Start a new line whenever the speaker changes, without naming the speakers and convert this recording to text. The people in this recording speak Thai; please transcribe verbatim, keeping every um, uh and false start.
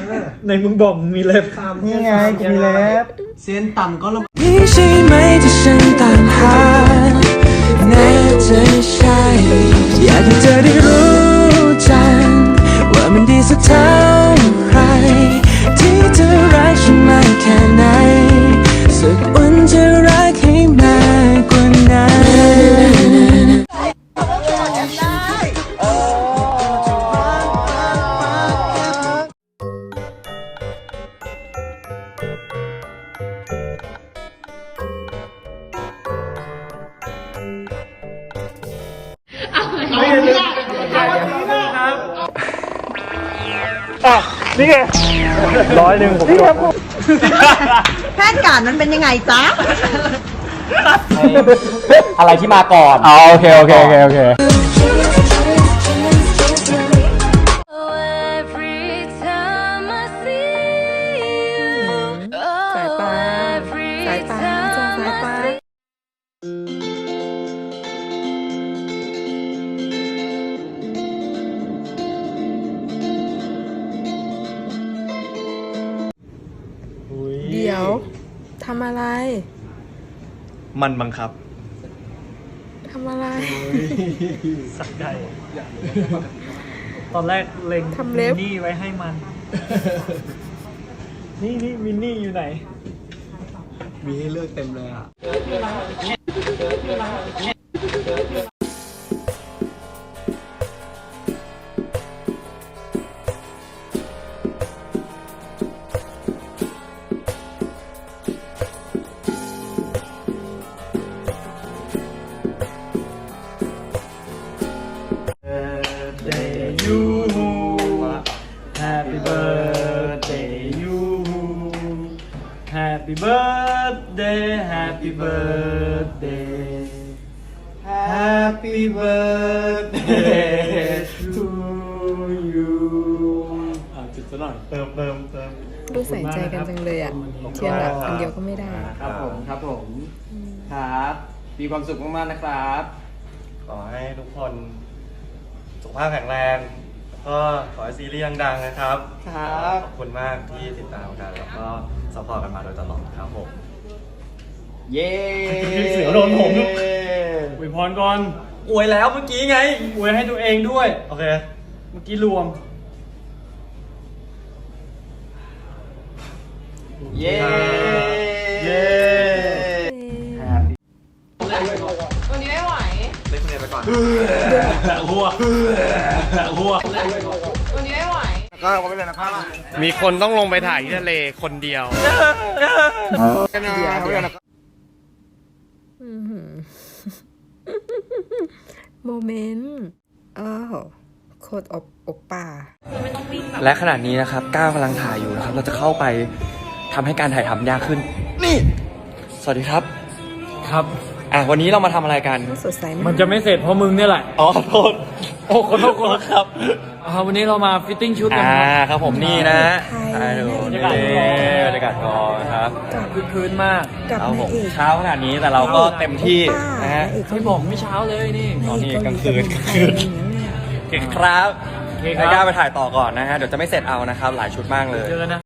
ในมึงบอกมึงมีเล็บนี่ไงกูมีเล็บ
เส้นต่ำก็ลง
นี่ใช่ไหมที่ฉันตามหาแน่ใจใช่อยากให้เธอได้รู้จักว่ามันดีสักเท่าไหรที่เธอรักฉันมากแค่ไหนสักวันจะรักให้มากกว่านั้น
นี่ไงร้อยหนึ่งผมจบ
แพทย์การมันเป็นยังไงจ๊ะ
อะไรที่มาก่อน
อ๋อโอเคโอเคโอเคโอเค
สายตาสายตาจ้าสายตาเดี๋ยวทำอะไร
มันบังคับ
ทำอะไร
สักได้ตอนแรกเล็ง
ทำเล็บ
มินนี่ไว้ให้มัน นี่นี่มินนี่อยู่ไหน
มีให้เลือกเต็มเลยอ่ะ
birthday you Happy birthday you Happy birthday Happy birthday Happy birthday to you อ่ะจุดซะหน่อยเติมเติมเติม
ดูใส่ใจกันจังเลยอ่ะ เทียนแบบอันเดียวก็ไม่ได้
ครับผมครับผมครับมีความสุขมากๆนะครับ
ขอให้ทุกคนสุขภาพแข็งแรงแล้วก็ขอให้ซีรีส์ดังๆนะครับ
ครับ
ขอบคุณมากที่ติดตามกันแล้วก็ซัพพอร์ตกันมาโดยตลอดครับผม
เย้
เสือโดนผม อวยพรก่อนอวยแล้วเมื่อกี้ไงอวยให้ตัวเองด้วยโอเคเมื่อกี้รวม
เย้
เย้
วันนี้ไม่ไหว
เล่นคนเดียวไปก่อน
หัวหัว
วันนี้ไม่ไหว
ก็ไม่เป็นไรนะครับ
มีคนต้องลงไปถ่ายที่ทะเลคนเดียว
อื้อหือ โมเมนต์อ้าวโคตรอบอบป่า
และขณะนี้นะครับก้าวกำลังถ่ายอยู่นะครับ เราจะเข้าไปทำให้การถ่ายทำยากขึ้น นี่ สวัสดีครับ
ครับ
อ่ะวันนี้เรามาทำอะไรกัน
สดใสมาก
มันจะไม่เสร็จเพราะมึงเนี่ยแหละ
อ๋อขอโทษ
โอ้ขอโทษขอโทษครับอ่าวันนี้เรามาฟิตติ้งชุดกัน
อ่า
ครับ
ครับผมนี่นะ
ไทย
ถ่ายดู
บรร
นี่
ยากาศกอง
บรรยากาศกองครับ
กับ
คือคืนมาก
กับ
ครับ
นา
ผ
ย
ม
เอก
เช้าขนาดนี้แต่เราก็เต็มที่นะฮะ
นายเอก
ไม่บอกไม่เช้าเลยนี่
ตอนนี้กลางคืน
เกาหลี
กลางคืน
อะไรอย่างเงี้ย
โอเคครับ
โอเคค
ให้
รับ
ก้าวไปถ่ายต่อก่อนนะฮะ เดี๋ยวจะไม่เสร็จเอานะครับ หลายชุดมากเลย
เจอกันนะ